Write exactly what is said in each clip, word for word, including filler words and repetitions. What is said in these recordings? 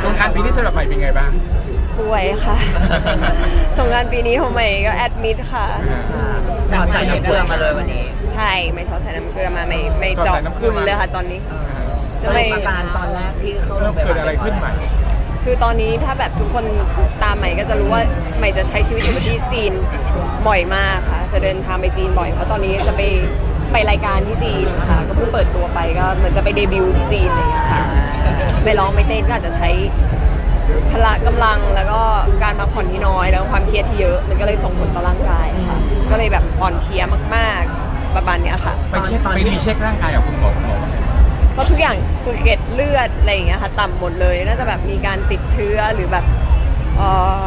งกรานต์ปีนี้สำหรับใหม่เป็นไงบ้างป่วยค่ะสงกรานต์ปีนี้ของใหม่ก็แอดมิดค่ะถอดใส่น้ำเกลือมาเลยวันนี้ใช่ไม่ถอดใส่น้ำเกลือมาไม่ไม่เจาะคุณเลยค่ะตอนนี้สรุปอาการตอนแรกที่เข้าโรงพยาบาลเกิดอะไรขึ้นใหม่คือตอนนี้ถ้าแบบทุกคนตามใหม่ก็จะรู้ว่าใหม่จะใช้ชีวิตอยู่ที่จีนบ่อยมากค่ะจะเดินทางไปจีนบ่อยเพราะตอนนี้จะไปไปรายการที่จีนค่ะก็เพิ่งเปิดตัวไปก็เหมือนจะไปเดบิวต์ที่จีนอะไรอย่างเงี้ยค่ะไม่ร้องไม่เต้นก็อาจจะใช้พละกำลังแล้วก็การพักผ่อนที่น้อยแล้วความเครียดที่เยอะมันก็เลยส่งผลต่อร่างกายค่ะก็เลยแบบอ่อนเพลียมากๆประมาณเนี้ยค่ะไปเช็คไปดีเช็คร่างกายกับคุณหมอคุณหมอก็ทุกอย่างคือเกล็ดเลือดอะไรอย่างเงี้ยค่ะต่ำหมดเลยน่าจะแบบมีการติดเชื้อหรือแบบเอ่อ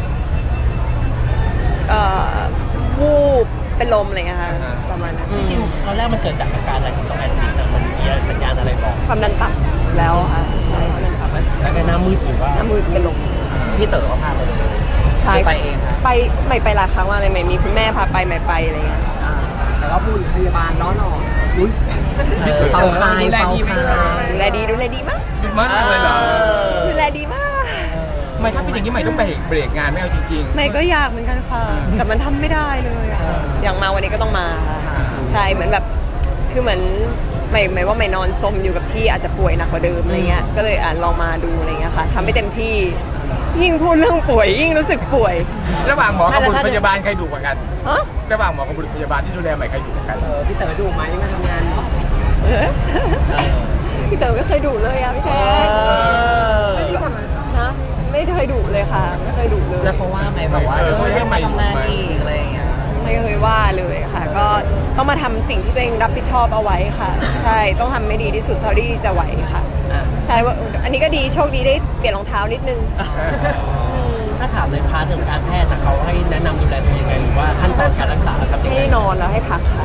เอ่อวูบเป็นลมอะไรเงี้ยค่ะประมาณนั้นจริงๆตอนแรกมันเกิดจากอาการอะไรที่ต้องแอดมิดนะมันมีสัญญาณอะไรบอกความดันต่ำแล้วค่ะใช่ความดันต่ำแล้วก็หน้ามืดหรือว่าหน้ามืดเป็นลมพี่เต๋อเขาพาไปเลยใช่ไปเองครับไปไม่ไปหลายครั้งว่าอะไรไม่มีคุณแม่พาไปไม่ไปอะไรเงี้ยแต่ว่าผู้พยาบาลน้อหนออุ้ยเป่าคายเป่าคายดูแลดีดูแลดีมากดีมากเลยเหรอดูแลดีมากไม่ถ้าเป็นอย่างนี้ใหม่ต้องไปเบรกงานไม่เอาจริงๆไม่ก็อยากเหมือนกันค่ะแต่มันทำไม่ได้เลยอะอย่างมาวันนี้ก็ต้องมาค่ะใช่เหมือนแบบคือเหมือนไม่ไม่ว่าไม่นอนซมอยู่กับที่อาจจะป่วยหนักกว่าเดิมอะไรเงี้ยก็เลยอ่านลองมาดูอะไรเงี้ยค่ะทำให้เต็มที่ยิ่งพูดเรื่องป่วยยิ่งรู้สึกป่วยระหว่างหมอกับบุรุษพยาบาลใครดุกว่ากันฮะระหว่างหมอกับบุรุษพยาบาลที่ดูแลใหม่ใครดุกว่ากันพี่เต๋อดุไหมมาทำงานพี่เต๋อไม่เคยดุเลยอะพี่แท้นะไม่เคยดุเลยค่ะไม่เคยดุเลยแล้วเพราะว่าไม่แบบว่าเออยังมาทำงานอีกอะไรอย่างเงี้ยไม่เคยว่าเลยค่ะก็ต้องมาทำสิ่งที่ตัวเองรับผิดชอบเอาไว้ค่ะใช่ต้องทำให้ดีที่สุดเท่าที่จะไหวค่ะใช่ว่าอันนี้ก็ดีโชคดีได้เปลี่ยนรองเท้านิดนึงถ้าถามในพาร์ทของการแพทย์นะเขาให้แนะนำดูแลตัวเองยังไงหรือว่าขั้นตอนการรักษาครับให้นอนแล้วให้พักค่ะ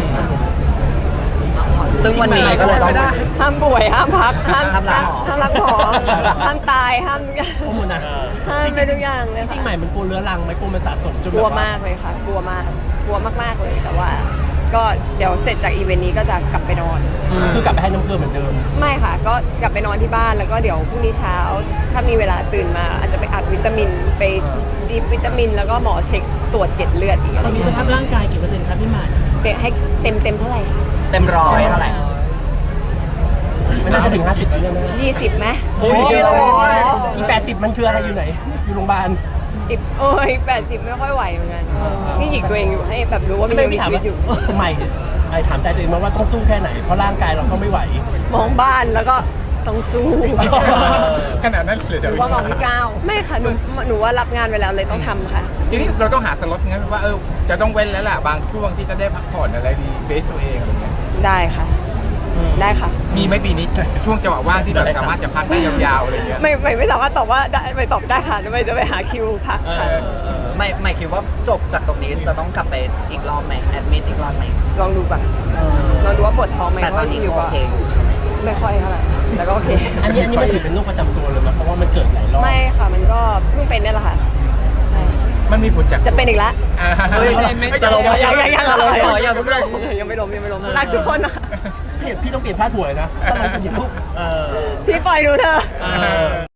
ซึ่งวันนี้ก็เลยต้องห้ามป่วยห้ามพักห้ามห้ามรักหมอห้ามรักหมอห้ามตายห้ามทุกอย่างห้ามไปทุกอย่างเลยจริงใหม่มันกลัวเรื้อรังไหมกลัวมันสะสมจนกลัวมากเลยค่ะกลัวมากกลัวมากๆเลยแต่ว่าก็เดี๋ยวเสร็จจากอีเวนต์นี้ก็จะกลับไปนอนคือกลับไปให้น้ำเกลือเหมือนเดิมไม่ค่ะก็กลับไปนอนที่บ้านแล้วก็เดี๋ยวพรุ่งนี้เช้าถ้ามีเวลาตื่นมาอาจจะไปอัดวิตามินไปดีวิตามินแล้วก็หมอเช็คตรวจเกล็ดเลือดอีกตอนนี้สภาพร่างกายกี่เปอร์เซ็นต์ครับพี่หมาเต็มให้เต็มเต็มเท่าไหร่เต็มร้อยเท่าไหร่ไม่น่าจะถึงห้าสิบแล้วนะยี่สิบไหมโอ้ยอีแปดสิบมันคืออะไรอยู่ไหนอยู่โรงพยาบาลอีโอ้ยแปดสิบไม่ค่อยไหวเหมือนกันนี่หยิกตัวเองอยู่ให้แบบรู้ว่ามันยังมีชีวิตอยู่ใหม่ไอ้ถามใจตัวเองว่าต้องสู้แค่ไหนเพราะร่างกายเราก็ไม่ไหวมองบ้านแล้วก็ต้องสู้ขนาดนั้นเลยเดี๋ยวว่ามองไม่ก้าวไม่ค่ะหนูหนูว่ารับงานไว้แล้วเลยต้องทำค่ะทีนี้เราต้องหาสล็อตงั้นว่าเออจะต้องเว้นแล้วล่ะบางช่วงที่จะได้พักผ่อนอะไรดีเฟซตัวเองอะไรเงี้ยได้ค่ะได้ค่ะมีไหมปีนี้ช่วงจังหวะว่างที่แบบสามารถจะพักได้ยาวๆอะไรเงี้ยไม่ไม่ไม่สามารถตอบว่าได้ไม่ตอบได้ค่ะไม่จะไปหาคิวพักค่ะไม่ไม่คิดว่าจบจากตรงนี้จะต้องกลับไปอีกรอบไหมแอดมิดอีกรอบไหมลองดูก่อนลองดูว่าปวดท้องไหมแต่ตอนนี้โอเคอยู่ใช่ไหมไม่ค่อยเท่าไหร่แต่ก็โอเคอันนี้อันนี้มันถือเป็นโรคประจำตัวเลยไหมเพราะว่ามันเกิดหลายรอบไม่ค่ะมันก็เพิ่งเป็นนี่แหละค่ะมันมีผลจากจะเป็นอีกแล้วไม่จะลงยังยังยังเลยยังไม่ลงยังไม่ลงยังไม่ลงรักทุกคนนะพี่ต้องเปลี่ยนผ้าถั่วนะต้องมาเป็นลูกพี่ปล่อยดูเธอ